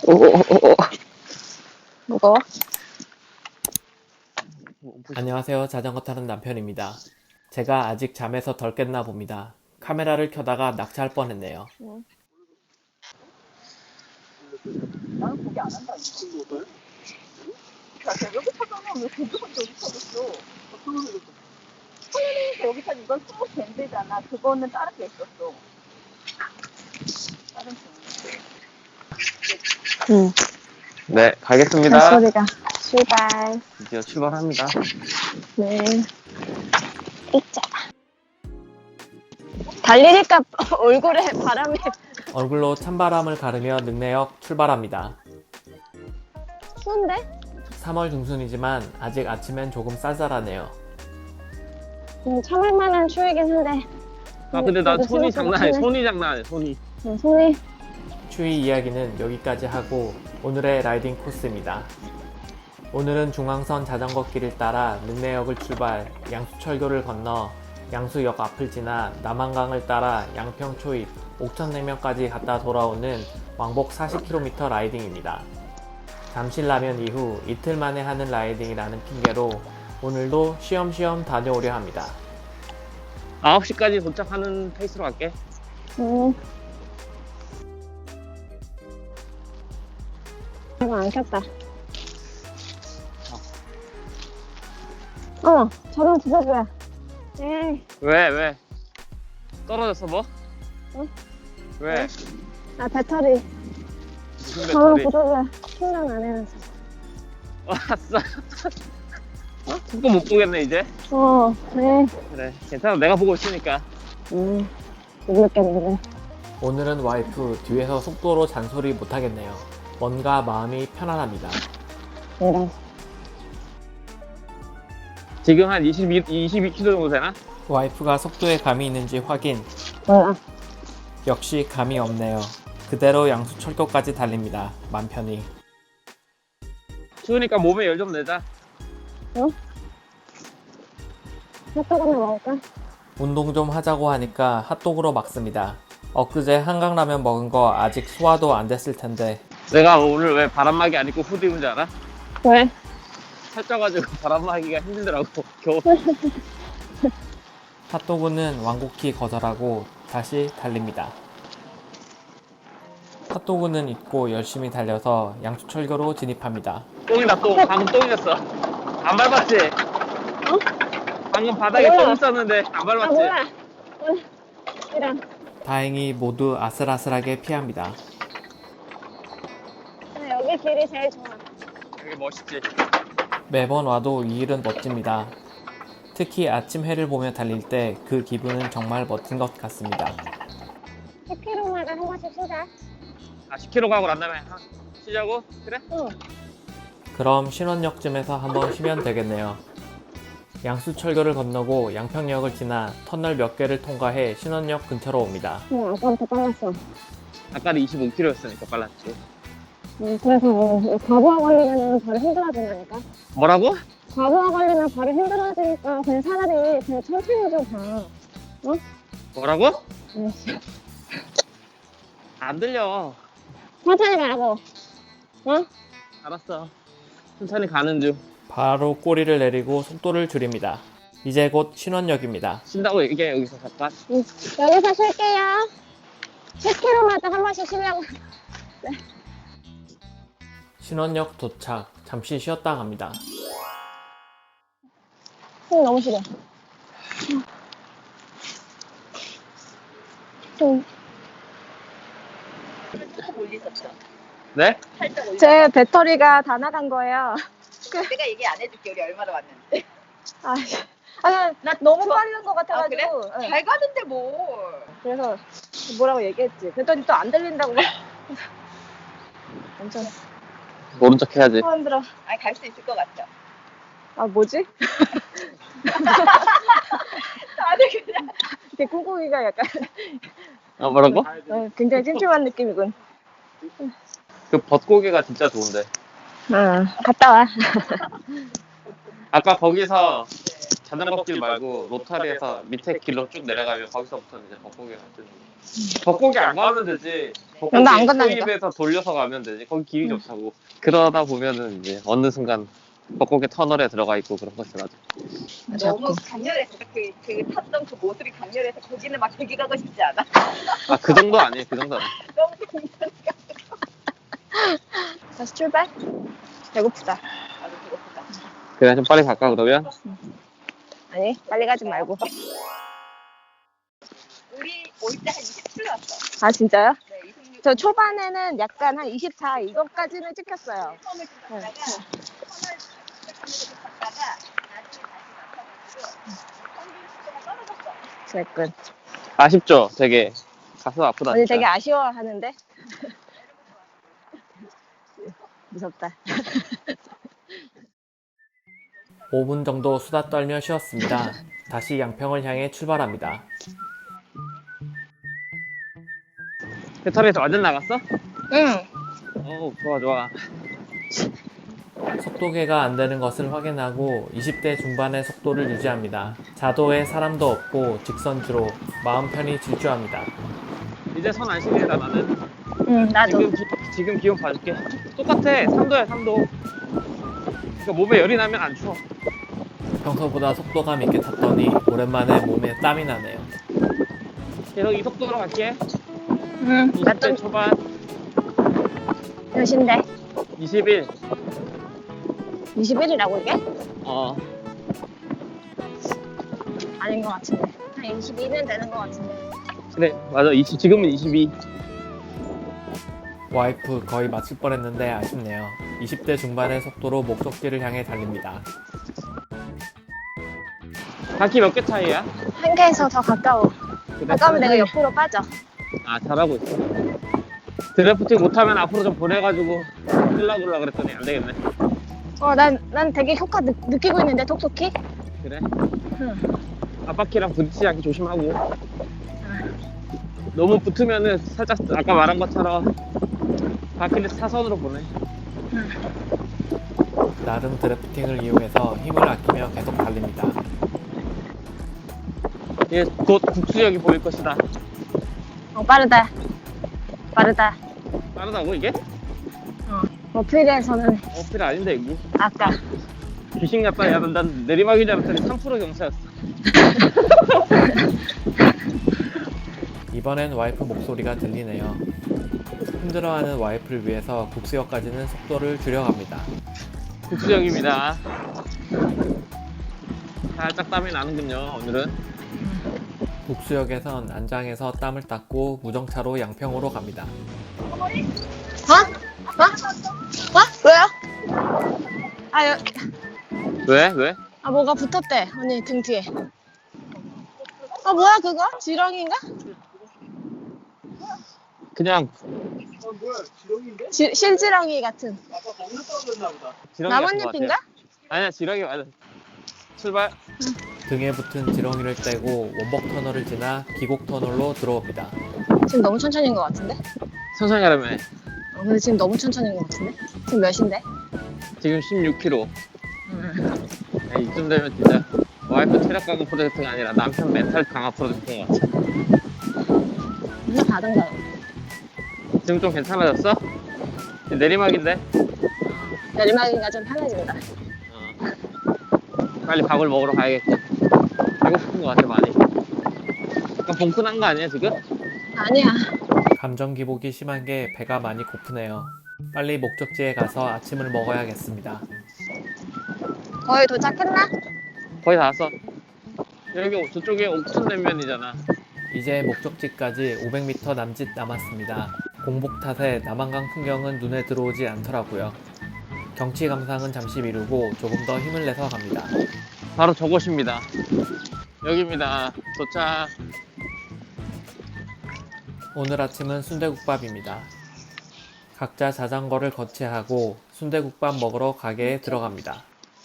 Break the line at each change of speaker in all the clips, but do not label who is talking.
오오오오. 무거워?
안녕하세요. 자전거 타는 남편입니다. 제가 아직 잠에서 덜 깼나 봅니다. 카메라를 켜다가 낙차할 뻔했네요.
나는 고기 안 한다. 야, 여기 타잖아. 왜 고기부터 여기 타겠어? 소연이니까 여기 타 이건 스무 밴드잖아. 그거는 다른 게 있었어. 다른 밴드.
응.
네, 가겠습니다.
잔소리가. 출발.
드디어 출발합니다.
네. 있자. 달리니까 얼굴에 바람이.
얼굴로 찬바람을 가르며 능내역 출발합니다.
추운데?
3월 중순이지만 아직 아침엔 조금 쌀쌀하네요.
참을 만한 추위긴 한데.
아, 근데 나
그래도
손이 장난 아니야.
생각보다
손이 장난 아니야, 손이.
손이.
추위 이야기는 여기까지 하고 오늘의 라이딩 코스입니다. 오늘은 중앙선 자전거길을 따라 능내역을 출발, 양수철교를 건너 양수역 앞을 지나 남한강을 따라 양평 초입, 옥천냉면까지 갔다 돌아오는 왕복 40km 라이딩입니다. 잠실라면 이후 이틀 만에 하는 라이딩이라는 핑계로 오늘도 쉬엄쉬엄 다녀오려 합니다.
9시까지 도착하는 페이스로 갈게.
이거 안 켰다. 저런 부서줘야. 에이.
왜? 떨어졌어, 뭐?
응?
왜?
배터리.
무슨
저런
배터리?
부서줘야. 충전 안 해놔서.
왔어. 속도 못 보겠네, 이제.
네.
그래, 괜찮아. 내가 보고 있으니까.
못 느꼈는데.
오늘은 와이프 뒤에서 속도로 잔소리 못하겠네요. 뭔가 마음이 편안합니다.
이런.
지금 한 22km 정도 되나?
와이프가 속도에 감이 있는지 확인.
몰라.
역시 감이 없네요. 그대로 양수철교까지 달립니다. 맘 편히.
추우니까 몸에 열 좀 내자.
핫도그 하나 먹을까?
운동 좀 하자고 하니까 핫도그로 막습니다. 엊그제 한강라면 먹은 거 아직 소화도 안 됐을 텐데
내가 오늘 왜 바람막이 안 입고 후드 입은 줄 알아?
왜?
살쪄가지고 바람막이가 힘들더라고, 겨우.
핫도그는 완곡히 거절하고 다시 달립니다. 핫도그는 잊고 열심히 달려서 양수철교로 진입합니다.
똥이다, 똥. 방금 똥이었어. 안 밟았지? 방금 바닥에
몰라.
똥 있었는데 안 밟았지?
몰라. 이런.
다행히 모두 아슬아슬하게 피합니다.
여기 길이 제일 좋아.
되게 멋있지?
매번 와도 이 일은 멋집니다. 특히 아침 해를 보며 달릴 때 그 기분은 정말 멋진 것 같습니다.
10km마다 한 번씩 쉬자.
10km 가고 난 다음에 쉬자고? 그래?
응.
그럼 신원역쯤에서 한번 쉬면 되겠네요. 양수철교를 건너고 양평역을 지나 터널 몇 개를 통과해 신원역 근처로 옵니다.
아까부터 빨랐어.
아까는 25km였으니까 빨랐지.
그래서 과부하 걸리면 바로 힘들어진다니까.
뭐라고?
과부하 걸리면 바로 힘들어지니까 그냥 차라리 그냥 천천히 좀 가.
뭐라고?
아이씨.
안 들려.
천천히 가라고.
알았어. 천천히 가는 중.
바로 꼬리를 내리고 속도를 줄입니다. 이제 곧 신원역입니다.
쉰다고 얘기해, 여기서 잠깐.
여기서 쉴게요. 10km마다 한 번씩 쉬려고.
신원역 도착, 잠시 쉬었다 갑니다.
숨 너무 쉬려.
살짝 올리셨죠?
네?
살짝 올리.
제 배터리가 다 나간 거예요.
내가 얘기 안 해줄게. 우리 얼마나 왔는데.
나 너무
좋아.
빠른 것 같아가지고.
그래?
네.
잘 가는데 뭘.
그래서 뭐라고 얘기했지. 그랬더니 또 안 들린다고. 엄청
모른 척 해야지.
힘들어.
아니, 갈 수 있을 것 같아.
뭐지?
다들 그냥.
이렇게 꿍꿍이가 약간
뭐라고?
굉장히 찜찜한 느낌이군.
그 벚고개가 진짜 좋은데.
갔다 와.
아까 거기서 자전거길 말고 로타리에서 밑에 길로 쭉 내려가면 거기서부터는 이제 벚고개가 뜨는 거. 벚고개 안 가면 되지. 벚고개
나안 간다니까.
소입에서 돌려서 가면 되지. 거기 길이 좋다고. 그러다 보면은 이제 어느 순간 벚고개 터널에 들어가 있고 그런 것이라도.
너무 강렬해서 그 탔던 그 모습이 강렬해서 거기는 막 되게 가고 싶지 않아?
아, 그 정도 아니에요. 그 정도 아니에요.
너무 괜찮으니까.
다시 출발? 배고프다.
나도 배고프다.
그냥 좀 빨리 갈까 그러면?
아니, 빨리 가지 말고.
우리 올 때 한 27 왔어.
아, 진짜요?
네, 26.
저 초반에는 약간 한 24 이것까지는 찍혔어요.
처음에 좀 갔다가 터널 갔다가 나중에 다시 나타가지고 평균 속도가 떨어졌어.
그랬군.
아쉽죠? 되게 가슴 아프다.
언니
진짜.
되게 아쉬워하는데? 무섭다.
5분 정도 수다 떨며 쉬었습니다. 다시 양평을 향해 출발합니다.
배터리에서 완전 나갔어?
응.
좋아 좋아.
속도계가 안 되는 것을 확인하고 20대 중반의 속도를 유지합니다. 자도에 사람도 없고 직선주로 마음 편히 질주합니다.
이제 손 안 시리다 나는.
응, 나도.
지금 기온 봐줄게. 똑같아. 3도야 3도. 그러니까 몸에 열이 나면 안 추워.
평소보다 속도감 있게 탔더니 오랜만에 몸에 땀이 나네요.
계속 이 속도로 갈게.
응,
20대 초반,
몇인데?
21.
21이라고 이게? 아닌 것 같은데. 한 22는 되는 것 같은데.
그래, 맞아. 지금은 22.
와이프 거의 맞출 뻔했는데 아쉽네요. 20대 중반의 속도로 목적지를 향해 달립니다.
바퀴 몇 개 차이야?
한 개에서 더 가까워.
그래?
가까우면 내가 옆으로 빠져.
아, 잘하고 있어. 드래프팅 못하면 앞으로 좀 보내가지고 끌라굴라 그랬더니 안 되겠네.
난 되게 효과 느끼고 있는데, 톡톡히?
그래?
응.
앞바퀴랑 부딪히지 않게 조심하고. 너무 붙으면은 살짝 아까 말한 것처럼 바퀴를 사선으로 보내.
나름 드래프팅을 이용해서 힘을 아끼며 계속 달립니다.
이제 곧 국수역이 보일 것이다.
빠르다. 빠르다.
빠르다고 이게?
어필에서는
어필 아닌데 이거.
아까.
귀신 같다. 야, 난 내리막인 줄 알았더니 3% 경사였어.
이번엔 와이프 목소리가 들리네요. 힘들어하는 와이프를 위해서 국수역까지는 속도를 줄여갑니다.
국수역입니다. 살짝 땀이 나는군요, 오늘은.
국수역에선 안장에서 땀을 닦고 무정차로 양평으로 갑니다.
왜요?
왜? 왜?
뭐가 붙었대. 언니 등 뒤에. 뭐야 그거? 지렁이인가?
그냥
실지렁이 같은.
지렁이 같은 것
나뭇잎인가?
같아요. 아니야, 지렁이 맞아. 출발.
등에 붙은 지렁이를 떼고 원복 터널을 지나 기곡 터널로 들어옵니다.
지금 너무 천천히인 것 같은데?
천천히 하려면
근데 지금 너무 천천히인 것 같은데? 지금 몇인데?
지금 16km. 이쯤 되면 진짜 와이프 체력 강화 프로젝트가 아니라 남편 멘탈 강화 프로젝트인 것 같아.
맨날 가던가.
지금 좀 괜찮아졌어? 내리막인데?
내리막이가 좀 편해진다.
빨리 밥을 먹으러 가야겠지. 배고픈 것 같아, 많이. 약간 봉큰한 거 아니야, 지금?
아니야.
감정 기복이 심한 게 배가 많이 고프네요. 빨리 목적지에 가서 아침을 먹어야겠습니다.
거의 도착했나?
거의 다 왔어. 여기 저쪽에 옥천냉면이잖아.
이제 목적지까지 500m 남짓 남았습니다. 공복 탓에 남한강 풍경은 눈에 들어오지 않더라고요. 경치 감상은 잠시 미루고 조금 더 힘을 내서 갑니다.
바로 저곳입니다. 여기입니다. 도착.
오늘 아침은 순대국밥입니다. 각자 자전거를 거치하고 순대국밥 먹으러 가게에 들어갑니다.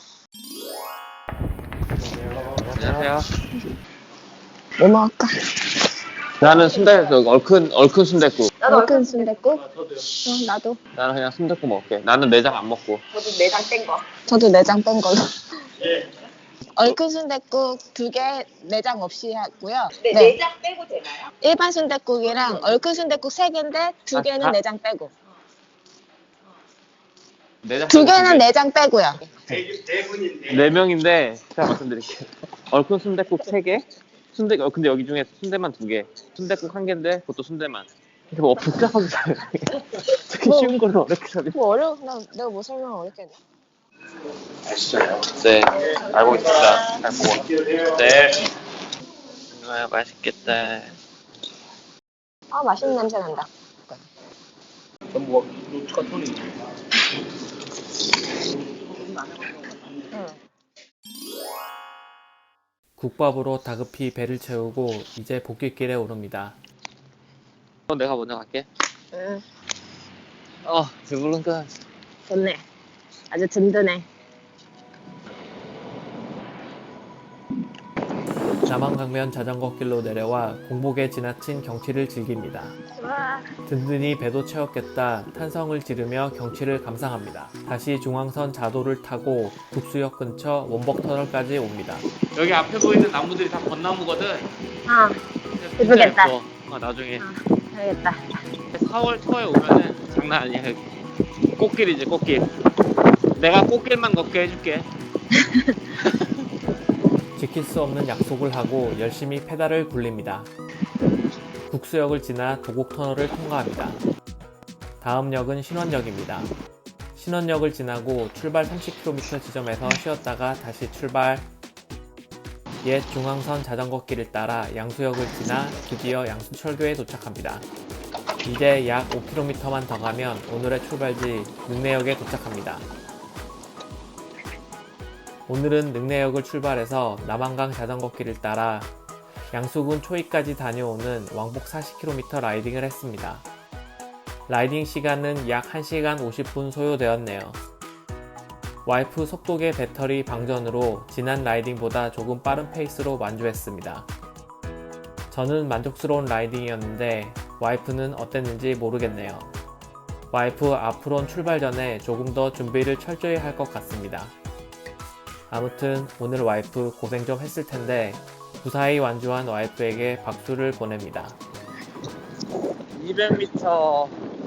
안녕하세요.
뭐 먹을까?
나는 순대국, 얼큰 순대국.
얼큰 순댓국? 나도.
나는 그냥 순대국 먹을게. 나는 내장 안 먹고.
저도 내장 뗀 거.
저도 내장 뺀 걸로.
얼큰 순댓국 2개 내장 없이 하고요.
네,
네.
내장 빼고 되나요?
일반 순댓국이랑 얼큰 순댓국 3개인데 2개는
아.
내장 빼고.
내장
2개는 내장 빼고요.
네 명인데 제가 말씀드릴게요. 얼큰 순댓국 3개, 근데 여기 중에 순대만 2개, 순댓국 1개인데 그것도 순대만. 이렇게 뭐 복잡하게 살아요. 특히 쉬운 걸로 어렵게 살아요.
뭐 어려워? 내가 뭐 설명 어렵게 했나?
네, 알고 있습니다. 잘 보고. 네. 아, 맛있겠다.
아, 맛있는 냄새 난다.
국밥으로 다급히 배를 채우고 이제 복귀길에 오릅니다.
그럼 내가 먼저 갈게.
응,
배부른가?
좋네. 아주 든든해.
남한강변 자전거길로 내려와 공복에 지나친 경치를 즐깁니다.
와,
든든히 배도 채웠겠다 탄성을 지르며 경치를 감상합니다. 다시 중앙선 자도를 타고 국수역 근처 원벅터널까지 옵니다. 여기 앞에 보이는 나무들이 다 벚나무거든.
아, 예쁘겠다.
나중에
알겠다.
4월 초에 오면은 장난 아니야. 여기. 꽃길이지 꽃길. 내가 꽃길만 걷게 해줄게. 지킬 수 없는 약속을 하고 열심히 페달을 굴립니다. 국수역을 지나 도곡터널을 통과합니다. 다음 역은 신원역입니다. 신원역을 지나고 출발 30km 지점에서 쉬었다가 다시 출발. 옛 중앙선 자전거길을 따라 양수역을 지나 드디어 양수철교에 도착합니다. 이제 약 5km만 더 가면 오늘의 출발지 능내역에 도착합니다. 오늘은 능내역을 출발해서 남한강 자전거길을 따라 양수군 초입까지 다녀오는 왕복 40km 라이딩을 했습니다. 라이딩 시간은 약 1시간 50분 소요되었네요. 와이프 속도계 배터리 방전으로 지난 라이딩보다 조금 빠른 페이스로 완주했습니다. 저는 만족스러운 라이딩이었는데 와이프는 어땠는지 모르겠네요. 와이프 앞으로는 출발 전에 조금 더 준비를 철저히 할 것 같습니다. 아무튼 오늘 와이프 고생 좀 했을 텐데 무사히 완주한 와이프에게 박수를 보냅니다.
200m.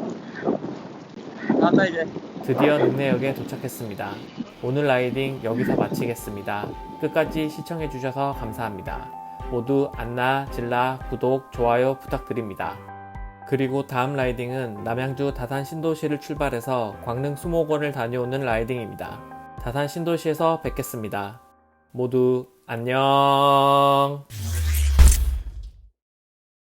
나다 이제.
드디어 능내역에 도착했습니다. 오늘 라이딩 여기서 마치겠습니다. 끝까지 시청해주셔서 감사합니다. 모두 안나, 질라, 구독, 좋아요 부탁드립니다. 그리고 다음 라이딩은 남양주 다산 신도시를 출발해서 광릉 수목원을 다녀오는 라이딩입니다. 다산 신도시에서 뵙겠습니다. 모두 안녕.